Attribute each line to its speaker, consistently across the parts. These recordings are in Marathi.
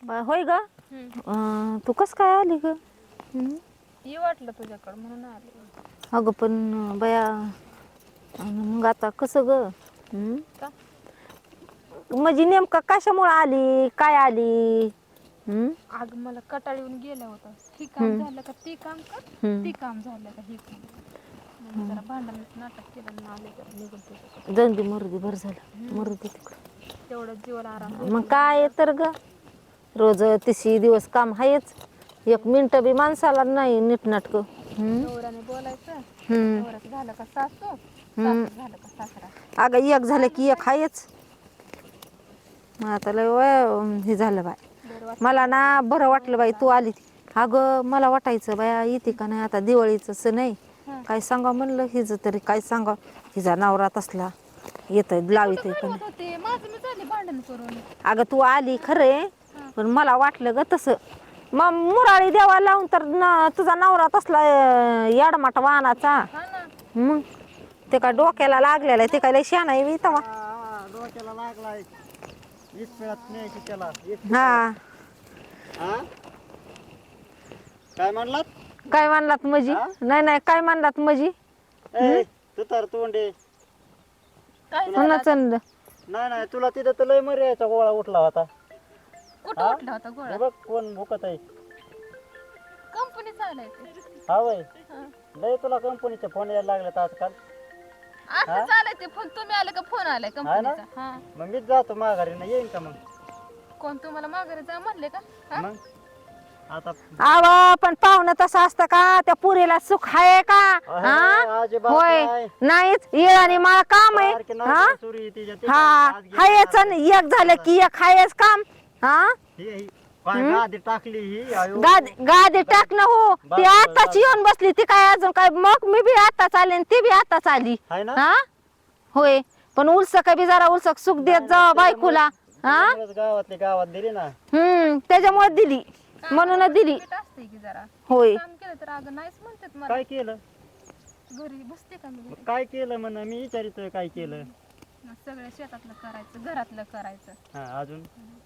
Speaker 1: होय ग. तू कस काय आली ग?
Speaker 2: ये वाटलं तुझ्याकडं म्हणून आले.
Speaker 1: अगं पण बया मग आता कसं ग?
Speaker 2: का?
Speaker 1: म्हणजे नेमका कशामुळे आली, काय आली?
Speaker 2: अग मला कटाळ येऊन गेला होता. ही काम
Speaker 1: हम्म,
Speaker 2: झालं का ती काम कर,
Speaker 1: हम्म.
Speaker 2: ती काम झालं का ही काम कर. मग मी जरा भांडणाचं नाटक केलं आणि आले जरा निघून तुझ्याकडे.
Speaker 1: जाऊन दे मरुदे, बरं झालं मरुदे
Speaker 2: तेवढंच जीवाला आराम
Speaker 1: तिकडं. मग
Speaker 2: भेटला
Speaker 1: काय आहे तर ग, रोज 30 दिवस काम आहेच. एक मिनिट बी माणसाला नाही नीटनाटक.
Speaker 2: नवऱ्याने बोलायचं, नवऱ्याचं झालं का सासू, सासूचं झालं का सासरा.
Speaker 1: अगं एक झालं की एक
Speaker 2: चालूच आहे.
Speaker 1: आहेच. मग आता लय हे झालं बाय.
Speaker 2: बरं वाटतं
Speaker 1: मला
Speaker 2: मला
Speaker 1: ना
Speaker 2: तुझ्या
Speaker 1: बरं वाटलं बाई
Speaker 2: नवऱ्याला
Speaker 1: तू
Speaker 2: आलं.
Speaker 1: आली. अगं मला वाटायचं बाया येते का नाही आता दिवाळीचं सण आहे.
Speaker 2: हा.
Speaker 1: काय सांगा म्हणलं हिचं तरी काय सांगा. हिचा नवरा तसला येतोय लावितोय
Speaker 2: कुठं
Speaker 1: का नाही.
Speaker 2: घडवत होते माझं मी झाले भांडण करून.
Speaker 1: अगं तू आली खरे,
Speaker 2: हा.
Speaker 1: पण मला वाटलं ग तसं. मग मुराळी देवा लावून तर तुझा नवरा तसला याडमाट वाहनाचा.
Speaker 2: हा ना.
Speaker 1: मग ते काय डोक्याला लागलेलं आहे, ते काय लय शहाणा आहे बी तवा.
Speaker 3: डोक्याला लागलाय. इस्पिळात न्यायची त्याला.
Speaker 1: हा.
Speaker 3: काय म्हणलात?
Speaker 1: काय म्हणलात मजी?
Speaker 3: हा?
Speaker 1: नाही नाही काय म्हणलात मजी?
Speaker 3: तू तर तोंडे.
Speaker 2: काय झालं
Speaker 1: कोणाच
Speaker 2: आता?
Speaker 3: नाही नाही तुला तिथं तर लय मर्याचा गोळा उठला होता.
Speaker 2: कुठं उठला होता गोळा?
Speaker 3: हे बघ कोण भुकत आहे.
Speaker 2: कंपनी चालायची.
Speaker 3: हा वय
Speaker 2: हा.
Speaker 3: लय तुला कंपनीचे फोन यायला लागलेत आजकाल.
Speaker 2: असं चालायचे फोन, तुम्ही आले का फोन आलाय कंपनीचा? हा.
Speaker 3: मग मीच जातो माघारी ना, येईन का मग?
Speaker 2: कोण तुम्हाला माघारी जा म्हणले का? हा?
Speaker 3: मग आता
Speaker 1: आव पण पाहुणं तसं असतं का? त्या पुरीला सुख आहे का? हा?
Speaker 3: अजिबात
Speaker 1: होय
Speaker 3: नाही.
Speaker 1: नाहीच. ये आणि मला काम आहे.
Speaker 3: सारखी
Speaker 1: हा
Speaker 3: नवरी सुरी तिच्या तिच्या
Speaker 1: हा
Speaker 3: आज गेली
Speaker 1: हायच
Speaker 3: आता.
Speaker 1: एक झालं की एक हायच काम. हा
Speaker 3: ही काय गादी टाकली ही आयो.
Speaker 1: गादी टाकणं हो. ती
Speaker 3: बस,
Speaker 1: आताच
Speaker 3: बस.
Speaker 1: येऊन बसली. ती काय अजून काय, मग मी बी आताच आले आणि ती बी आताच आली.
Speaker 3: हाय ना?
Speaker 1: हा होय पण उलसक बी जरा उलसक सुख देत जा बायकोला. हा
Speaker 3: त्याच्यामुळेच गावातली गावात दिली ना.
Speaker 1: त्याच्यामुळे दिली, म्हणून दिली.
Speaker 2: limit असते की जरा.
Speaker 1: होय
Speaker 2: काम केलं तर अगं नाहीच म्हणतात मला.
Speaker 3: काय केलं?
Speaker 2: घरी बसते का मी घरी?
Speaker 3: काय केलं म्हण मी विचारितोय काय केलं?
Speaker 2: मग सगळं शेतातलं करायचं, घरातलं करायचं.
Speaker 3: हा अजून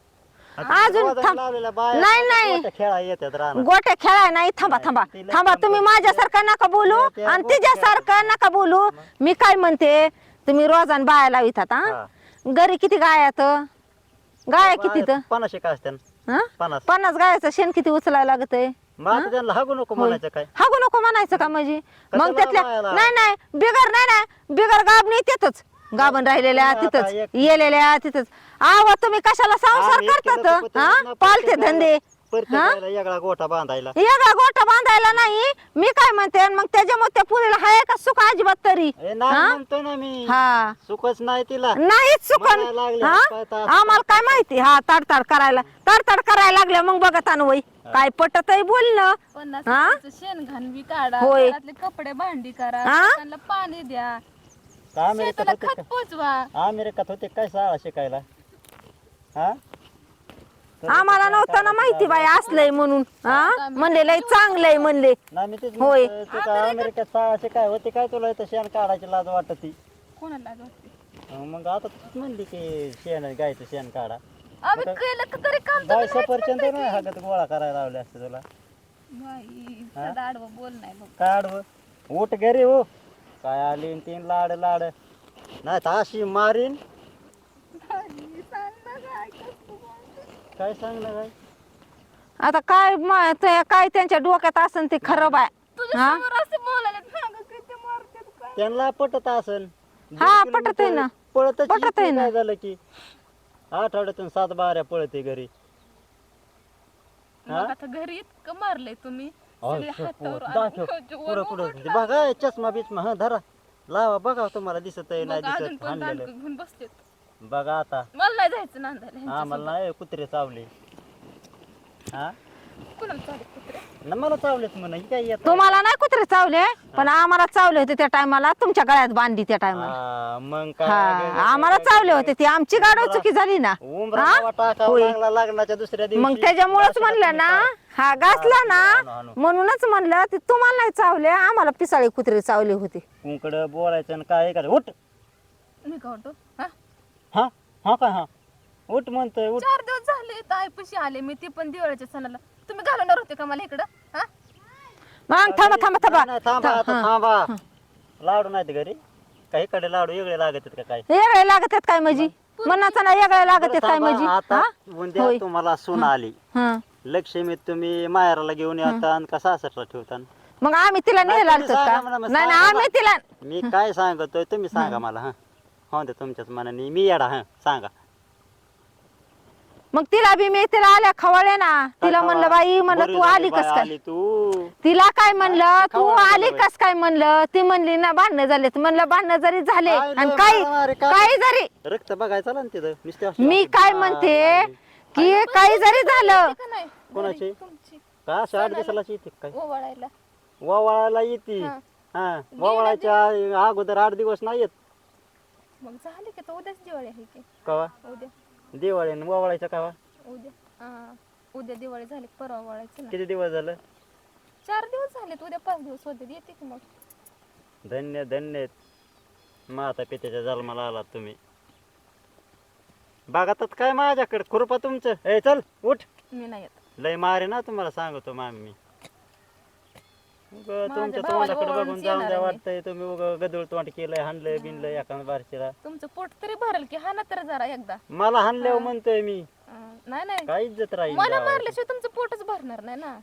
Speaker 1: अजून थांब.
Speaker 3: लावलेल्या बाया
Speaker 1: नाही, नाही.
Speaker 3: गोट्या खेळा येतात रानात.
Speaker 1: गोट्या खेळाय नाही. थांबा थांबा
Speaker 3: तिला
Speaker 1: थांबा,
Speaker 3: काम
Speaker 1: तुम्ही
Speaker 3: करते.
Speaker 1: माझ्यासारखं नका बोलू
Speaker 3: त्या
Speaker 1: आणि
Speaker 3: गोट्या
Speaker 1: तिच्यासारखं नका बोलू. मी काय म्हणते, तुम्ही रोजान बाया लावितात हा?
Speaker 3: हा.
Speaker 1: घरी किती गायात? गाया किती तर?
Speaker 3: 50 का असते
Speaker 1: हा?
Speaker 3: 50.
Speaker 1: 50 गायाचं शेण किती उचलायला लागतंय?
Speaker 3: मग आता त्यांना हागू नको म्हणायचं काय?
Speaker 1: हागू नको म्हणायचं का म्हणजे? मग
Speaker 3: कशाला
Speaker 1: त्यातल्या
Speaker 3: बायाला?
Speaker 1: नाही नाही बिगर गाबणी तिथंच गाबन राहिलेल्या
Speaker 3: आता
Speaker 1: तिथंच
Speaker 3: एक-
Speaker 1: येलेल्या तिथंच. आवा तुम्ही कशाला संसार
Speaker 3: आम्ही केलं तर
Speaker 1: करतात
Speaker 3: पत्र
Speaker 1: हा?
Speaker 3: ना
Speaker 1: पालते
Speaker 3: प्रत्येकाला-
Speaker 1: धंदे
Speaker 3: प्रत्येकाला वेगळा गोठा बांधायला.
Speaker 1: एका गोठा बांधायला नाही. मी काय म्हणते, मग त्याच्यामुळे त्या पुरीला हाय का सुख अजिबात तरी?
Speaker 3: ए, नाही
Speaker 1: हा?
Speaker 3: म्हणतोय ना मी.
Speaker 1: हा
Speaker 3: सुखच नाही तिला.
Speaker 1: नाहीच चुकन.
Speaker 3: म्हणायला लागले,
Speaker 1: हा?
Speaker 3: हात-पाय तास-
Speaker 1: आम्हाला काय माहिती. हा तडतड करायला लागल्या मग बघत वय काय पटत आहे बोलणं.
Speaker 2: 50
Speaker 1: हा?
Speaker 2: रुपयाचं शेण घाण बी काढा,
Speaker 1: होय.
Speaker 2: घरातले कपडे भांडी करा,
Speaker 1: हा?
Speaker 2: त्यांना पाणी द्या,
Speaker 3: अमेरिकेत
Speaker 2: शेताला
Speaker 3: होते
Speaker 2: खत
Speaker 3: का?
Speaker 2: पोचवा.
Speaker 3: अमेरिकेत होते काय शाळा शिकायला? हा?
Speaker 1: आम्हाला नव्हतं ना माहिती बाई असलंय म्हणून. हा म्हणले लय चांगलंय म्हणले.
Speaker 3: नाही मी तेच
Speaker 1: होय.
Speaker 3: म्हणतोय, तू काय अमेरिकेत शाळा शिकाय होती काय तुला इथं शेण काढायची लाज वाटत ती?
Speaker 2: कोणाला वाटते?
Speaker 3: मग आता तूच म्हणली की शेण गायचं शेण काढा.
Speaker 2: आम्ही केलं का तरी काम
Speaker 3: बाय
Speaker 2: तुम्ही नाहीच
Speaker 3: सफरचंद
Speaker 2: म्हणताय
Speaker 3: नाही
Speaker 2: की.
Speaker 3: हागत गोळा करायला लावले असते तुला.
Speaker 2: बाई, सदा आडवं बोल नाही बघ.
Speaker 3: काढ उठ घरी हो. काय आली न तीन लाड लाड नाही तर अशी मारीन.
Speaker 2: बाई, सांग ना काय कसं बोलते.
Speaker 3: काय सांगलं काय?
Speaker 1: आता काय काय त्यांच्या डोक्यात असन ते खरं बाय.
Speaker 2: तुझ्या
Speaker 1: हा?
Speaker 2: समोर असं बोलायला सांग किती मारतात काय.
Speaker 3: त्यांना पटत असन.
Speaker 1: हा, पटत आहे ना.
Speaker 3: पळतच
Speaker 1: पटत आहे ना.
Speaker 3: काय झालं की आठवड्यातून 7 बाऱ्या पळते घरी.
Speaker 2: मग आता घरी इतकं मारलंय तुम्ही, सगळे हातावर
Speaker 3: दाखव
Speaker 2: आणि
Speaker 3: पुढं पुढं बघा चष्मा बिचमा हा धरा लावा बघा तुम्हाला दिसत आहे नाही
Speaker 2: मग अजून
Speaker 3: दिसत
Speaker 2: पण
Speaker 3: हाणलेलं.
Speaker 2: दांडकं घेऊन बसतेत.
Speaker 3: बघा आता
Speaker 2: मला नाही जायचं नांदायला
Speaker 3: आम्हाला
Speaker 2: ह्यांच्यासोबत.
Speaker 3: नाही कुत्रे चावले. हा
Speaker 2: कुणाला चालत कुत्रे?
Speaker 3: न मला चावलेत म्हणा ही काय येत
Speaker 1: तुम्हाला नाही कुत्रे चावले, पण आम्हाला चावले होते त्या टायमाला. तुमच्या गळ्यात बांधली त्या टायमाला.
Speaker 3: मग
Speaker 1: हा
Speaker 3: काय
Speaker 1: आम्हाला चावले होते. ती आमची गाडव चुकी झाली ना.
Speaker 3: उमरा टाकावं लागला लग्नाच्या दुसऱ्या दिवशी.
Speaker 1: मग त्याच्यामुळेच म्हणलं ना, हा घासला ना म्हणूनच म्हणलं ते तुम्हाला नाही चावले, आम्हाला पिसाळी कुत्रे चावले होते.
Speaker 3: कुंकड बोलायचं आणि काय करायचं उठ.
Speaker 2: मी का वाटतो? हा?
Speaker 3: हा हा काय हा उठ म्हणतोय उठ.
Speaker 2: 4 दिवस झाले ताईपाशी आले मी, ते पण दिवाळीच्या सणाला. तुम्ही घालवणार होते का मला इकडं? हा
Speaker 1: मग थांबा थांबा थांबा
Speaker 3: नाही, थांबा आता थांबा. लाडू नाहीत घरी काही कडे लाडू वेगळे लागत आहेत का काय?
Speaker 1: वेगळे लागत आहेत काय माझी मनाचा ना वेगळे लागत आहेत काय
Speaker 3: थांबा,
Speaker 1: माझी
Speaker 3: आता उद्या
Speaker 1: होय.
Speaker 3: तुम्हाला सून आली
Speaker 1: हा
Speaker 3: लक्ष्मी, तुम्ही माहेराला घेऊन येता आणि का सासरला ठेवता?
Speaker 1: मग आम्ही तिला
Speaker 3: नाही,
Speaker 1: नेला
Speaker 3: तुम्ही
Speaker 1: का?
Speaker 3: सांगा मला, मग
Speaker 1: नाही ना
Speaker 3: सांगा
Speaker 1: आम्ही तिला
Speaker 3: मी काय सांगतोय तुम्ही सांगा मला. हा हो दे तुमच्याच मनाने मी येडा. हा सांगा.
Speaker 1: मग तिला बी मी तिला आल्या खवळले ना. तिला म्हणलं बाई म्हणलं
Speaker 3: बरी
Speaker 1: तू
Speaker 3: झाली
Speaker 1: आली
Speaker 3: बाई,
Speaker 1: कस काय?
Speaker 3: आली तू.
Speaker 1: तिला काय म्हणलं तू
Speaker 3: खवळलं
Speaker 1: आली
Speaker 3: बाई.
Speaker 1: कस काय म्हणलं? ती म्हणली ना भांडणं झाले. म्हणलं भांडणं जरी झाले
Speaker 3: काय
Speaker 1: आणि
Speaker 3: लय
Speaker 1: काही
Speaker 3: मारामारी काय?
Speaker 1: काही जरी
Speaker 3: रक्त बघायचं ना तिथं नुसते अशी
Speaker 1: मी
Speaker 3: अशी
Speaker 1: काय
Speaker 3: बाळ
Speaker 1: म्हणते
Speaker 3: लागली.
Speaker 1: की काही जरी झालं
Speaker 2: का नाही?
Speaker 3: कोणाची?
Speaker 2: तुमची
Speaker 3: का 8 दिवसाला येते काय?
Speaker 2: ओवाळायला.
Speaker 3: वावळायला येते.
Speaker 2: हा.
Speaker 3: हा वावळायच्या अगोदर 8 दिवस नाही येत.
Speaker 2: मग झाले की, तर उद्याच दिवाळी आहे की.
Speaker 3: कवा
Speaker 2: उद्या
Speaker 3: दिवाळी आणि वावळायच्या कवा?
Speaker 2: उद्या उद्या दिवाळी झाली की परवा ओवाळायचं ना.
Speaker 3: किती दिवस झालं?
Speaker 2: 4 दिवस झालेत, उद्या 5 दिवस होते. येते की मग.
Speaker 3: धन्य धन्य माता पित्याच्या जन्माला आलात तुम्ही. बघतात काय माझ्याकडे खुरपा तुमचं. ए चल उठ.
Speaker 2: मी नाही येत.
Speaker 3: लय मारे ना तुम्हाला सांगतो मामी मी. उगा तुमच्या
Speaker 2: भावाला
Speaker 3: तोंडाकडे
Speaker 2: ओवाळून
Speaker 3: बघून जाऊन
Speaker 2: येणार
Speaker 3: द्या
Speaker 2: आहे मी.
Speaker 3: वाटतंय तुम्ही उगा गदळ तोंड केलंय हाणलंय बिनलंय एका बारशीला.
Speaker 2: तुमचं पोट तरी भरल की, हा ना तर जरा एकदा.
Speaker 3: मला हाणल्यावर म्हणतोय मी
Speaker 2: नाही नाही,
Speaker 3: काय इज्जत राहील
Speaker 2: मला
Speaker 3: गावाची?
Speaker 2: मारल्याशिवाय तुमचं पोटच भरणार नाही ना.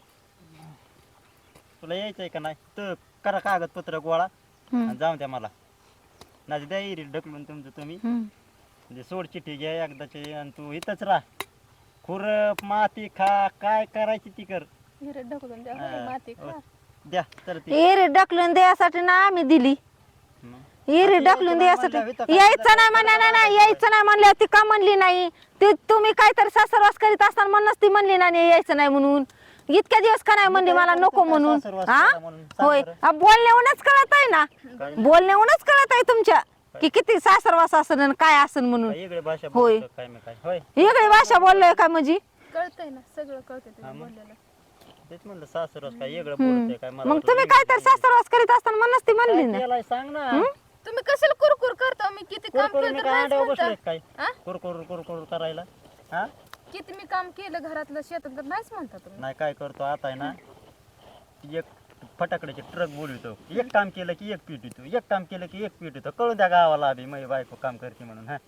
Speaker 3: तुला यायचंय का नाही तर करा कागदपत्र गोळा आणि जाऊन द्या मला. नाही द्या इरी ढकलून तुमचं तुम्ही. म्हणजे सोड चिठ्ठी घ्या एकदाची आणि तू इथंच राह. खुरप माती खा काय करायची ती कर.
Speaker 2: हिरे ढकलून द्या,
Speaker 3: हा.
Speaker 2: होय, माती खा.
Speaker 3: द्या तर ती
Speaker 1: एरी ढकलून द्यायसाठी ना आम्ही दिली. एरी
Speaker 3: आता
Speaker 1: ढकलून
Speaker 3: यायचं
Speaker 1: द्यायसाठी
Speaker 3: नाही म्हणल्यावर इथं
Speaker 1: यायचं नाही म्हणा ना यायचं नाही म्हणलं ती का म्हणली नाही? ते तुम्ही काहीतरी सासरवास करीत असताना म्हणूनच ती म्हणली नाही यायचं नाही म्हणून. इतक्या दिवस का नाही म्हणली मला नको म्हणून? हा होय बोलण्याहूनच कळत आहे ना, बोलण्याहूनच कळत आहे तुमच्या की किती सासरवास असन आणि काय असन म्हणून.
Speaker 3: वेगळी भाषा
Speaker 1: होय.
Speaker 3: बोलतो काय मी काय होय
Speaker 1: वेगळी भाषा बोललोय का म्हणजे?
Speaker 2: कळतंय ना, सगळं कळतंय तुम्ही बोललेलं.
Speaker 3: तेच म्हणलं सासरवास काय वेगळं बोलतोय काय मला
Speaker 1: मग
Speaker 3: वाटलं
Speaker 1: तुम्ही काहीतरी सासरवास करीत असताना म्हणूनच ती म्हणली
Speaker 3: काय
Speaker 1: ना.
Speaker 3: केलंय सांग ना.
Speaker 2: तुम्ही कशाला कुरकुर करता? मी किती काम
Speaker 3: कुरकुर
Speaker 2: केलं
Speaker 3: मी
Speaker 2: तर
Speaker 3: काय
Speaker 2: नाहीच
Speaker 3: अंड्यावर
Speaker 2: म्हणता.
Speaker 3: बसलोय काय
Speaker 2: हा?
Speaker 3: कुरकुर कुरकुर करायला? हा
Speaker 2: किती मी काम केलं घरातलं शेतात तर नाहीच म्हणता तुम्ही.
Speaker 3: नाही काय करतो आता आहे ना एक फटाकड्याचे ट्रक बोलवतो. एक काम केलं की एक पीठ येतो, एक काम केलं की एक पीठ येतो. कळून द्या गावाला आधी माझी बायको काम करते म्हणून. हा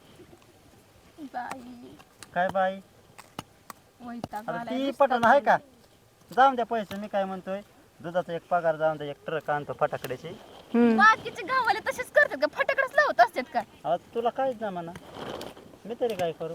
Speaker 2: बाई
Speaker 3: काय बाई
Speaker 2: वैताग
Speaker 3: आता
Speaker 2: आलाय
Speaker 3: ती
Speaker 2: नुसता.
Speaker 3: पटन आहे का? जाऊन द्या पैसे. मी काय म्हणतोय दुधाचा एक पगार जाऊन द्या, एक ट्रक आणतो फटाकड्याची.
Speaker 2: बाकीचे गावाले तसेच करतात का? फटाकडेच लावत असतात का?
Speaker 3: आता तुला काहीच ना म्हणा, मी तरी काय करू?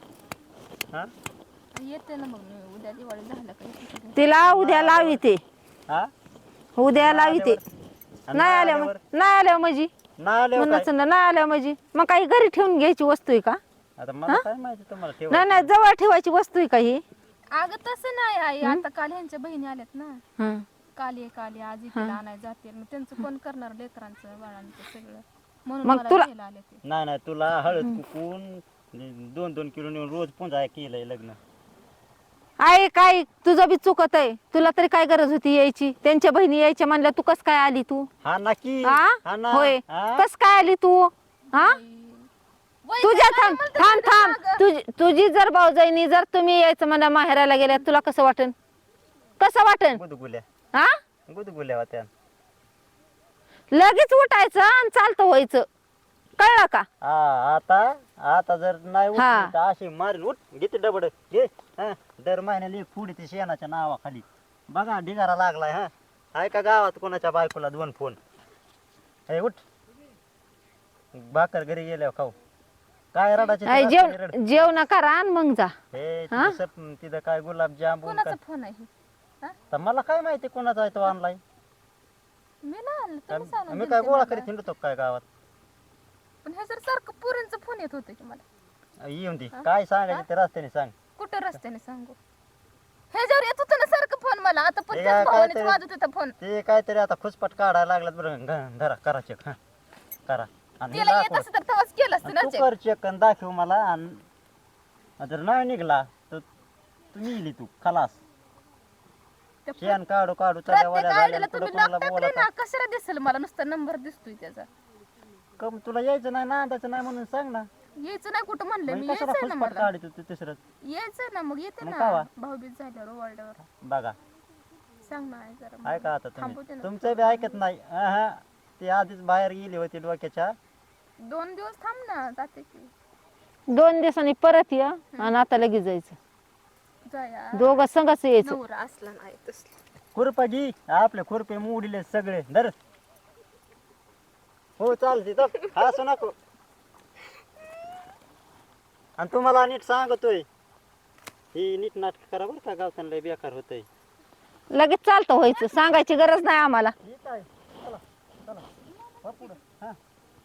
Speaker 3: हा
Speaker 2: येते ना मग मी उद्या दिवाळी झालं का येते.
Speaker 1: तिला उद्या लावी ते
Speaker 3: हा
Speaker 1: उद्या लावी ते
Speaker 3: आणि
Speaker 1: नाही आल्या
Speaker 3: आल्यावर?
Speaker 1: नाही आल्या म्हणजे
Speaker 3: नाही आल्यावर
Speaker 1: म्हणच
Speaker 3: काय?
Speaker 1: नाही आल्या म्हणजे मग काही घरी ठेवून घ्यायची वस्तू आहे का?
Speaker 3: आता मला काय माहिती तुम्हाला ठेवा.
Speaker 1: नाही नाही जवळ ठेवायची वस्तू आहे का ही?
Speaker 2: अगं तसं नाही आई, आता काल ह्यांच्या बहिणी आल्यात ना.
Speaker 1: हं.
Speaker 2: काली आज इकडे आणायला जाते, मग त्यांचं कोण करणार लेकरांचं बाळांचं सगळं, म्हणून
Speaker 1: मग
Speaker 2: मला
Speaker 1: तुला-
Speaker 2: घ्यायला आले ते.
Speaker 3: नाही नाही तुला हळद कुकून 2-2 किलो नेऊन रोज पुंजा केलंय लग्न.
Speaker 1: आहे काय तुझं बी चुकत आहे. तुला तरी काय गरज होती यायची? त्यांच्या बहिणी यायच्या म्हणल्या तू कस काय आली तू?
Speaker 3: हा नक्की
Speaker 1: हा
Speaker 3: हा ना
Speaker 1: होय
Speaker 3: हा?
Speaker 1: कस काय आली तू? हा
Speaker 2: वय
Speaker 1: तुझ्या
Speaker 2: काय
Speaker 1: थांब
Speaker 2: म्हणते
Speaker 1: थांब
Speaker 2: तुझ्या
Speaker 1: थांब
Speaker 2: मागं?
Speaker 1: तुझी जर भाऊजाईनी जर तुम्ही यायचं म्हणा माहेराला गेल्या तुला कसं वाटन? कसं वाटन?
Speaker 3: गुदगुल्या
Speaker 1: हा
Speaker 3: गुदगुल्या होत्या.
Speaker 1: लगेच उठायचं आणि चालतं व्हायचं. कळलं का?
Speaker 3: हा आता जर नाही उठली
Speaker 1: हा.
Speaker 3: तर अशी मारीन. उठ घेते डबड घे. हा दर महिन्याला एक फुडी ते शेणाच्या नावाखाली बघा ढिगारा लागलाय. हा आहे का गावात कोणाच्या बायकोला 2 फोन? हे उठ भाकर घरी गेल्यावर खाऊ. काय रडाचे
Speaker 1: आई, जेवण करा आणि मग जा.
Speaker 3: हे
Speaker 1: हा?
Speaker 3: तिथं काय गुलाबजामुन
Speaker 2: कोणाचा
Speaker 3: काय
Speaker 2: फोन आहे? हा?
Speaker 3: तर मला काय माहिती कोणाचा आहे तो ऑनलाईन.
Speaker 2: मी नाही आणलं, तुम्ही सांगून
Speaker 3: मी
Speaker 2: दिलं
Speaker 3: काय
Speaker 2: ते
Speaker 3: गोळा
Speaker 2: मला.
Speaker 3: करीत हिंडतो काय गावात?
Speaker 2: पण हे जर सारखं पुरींचा फोन येत होते की मला.
Speaker 3: येऊन दे काय सांगायचं ते रस्त्याने सांग.
Speaker 2: कुठं रस्त्याने सांगू? ह्याच्यावर येत होतं ना सारखं फोन मला. आता पण
Speaker 3: हे
Speaker 2: त्याच
Speaker 3: काय
Speaker 2: भावानेच
Speaker 3: तरी-
Speaker 2: वाजत होता फोन.
Speaker 3: ते काहीतरी आता खुसपट काढायला लागलात बरं. धरा करा चेक. हा करा आणि
Speaker 2: तिला येत
Speaker 3: दाखव.
Speaker 2: असं तर तेव्हाच केलं असतं
Speaker 3: आणि
Speaker 2: ना
Speaker 3: तू
Speaker 2: check.
Speaker 3: कर चेक आणि दाखव मला. आणि जर नाही निघला तर तुम्ही इली तू खलास.
Speaker 2: त्या
Speaker 3: शेण काढू काढू
Speaker 2: प्रत्येक
Speaker 3: चढ्यावाल्या
Speaker 2: आयडीला
Speaker 3: झाल्या पुढे
Speaker 2: तुम्ही
Speaker 3: कोणाला
Speaker 2: लॉक टाकले
Speaker 3: बोलत
Speaker 2: ना, कशाला दिसेल मला? नुसता नंबर दिसतोय त्याचा.
Speaker 3: कम तुला यायचं नाही ना त्याचं नाही म्हणून सांग ना.
Speaker 2: यायचं नाही कुठं म्हणलं मी,
Speaker 3: मग कशाला
Speaker 2: यायचं ना
Speaker 3: फुसफाट
Speaker 2: मला,
Speaker 3: काढत होती तिसरं
Speaker 2: यायचं ना, मग येते
Speaker 3: मग
Speaker 2: ना
Speaker 3: कावा?
Speaker 2: भाऊबीज झाल्यावर ओवाळल्यावर.
Speaker 3: बघा
Speaker 2: सांग ना आई जरा मला.
Speaker 3: ऐका आता
Speaker 2: थांबवते
Speaker 3: तुम्ही
Speaker 2: ना.
Speaker 3: तुमचं बी ऐकत नाही हा ती आधीच बाहेर गेली होती डोक्याच्या
Speaker 2: 2 दिवस थांब ना, जाते की
Speaker 1: 2 दिवसांनी परत या आणि आता लगेच जायचं.
Speaker 2: जाया.
Speaker 1: दोघं संघच यायचं.
Speaker 2: नवरा असला नाही तसला.
Speaker 3: खुरपा घे आपले खुरपे मोडले सगळे धर. हो चालते तर हसू नको. आणि तुम्हाला नीट सांगतोय ही नीट नाटक करा बरं का, गावताना लय बेकार होतंय.
Speaker 1: लगेच चालतं व्हायचं, सांगायची गरज नाही आम्हाला.
Speaker 3: ठीक आहे चला चला वा पुढं हा.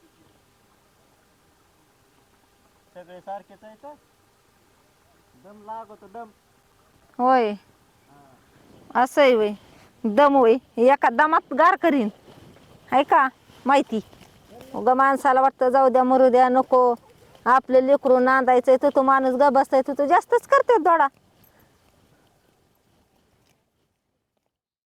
Speaker 3: सगळे सारखेच आहे का, दम लागतो दम.
Speaker 1: होय असं आहे वय, दम होय एका दमात गार करीन आहे का माहिती. उगा माणसाला वाटतं जाऊ द्या मरू द्या नको, आपले लेकरू नांदायचंय तर तो माणूस ग बसताय तर तो जास्तच करते दोडा.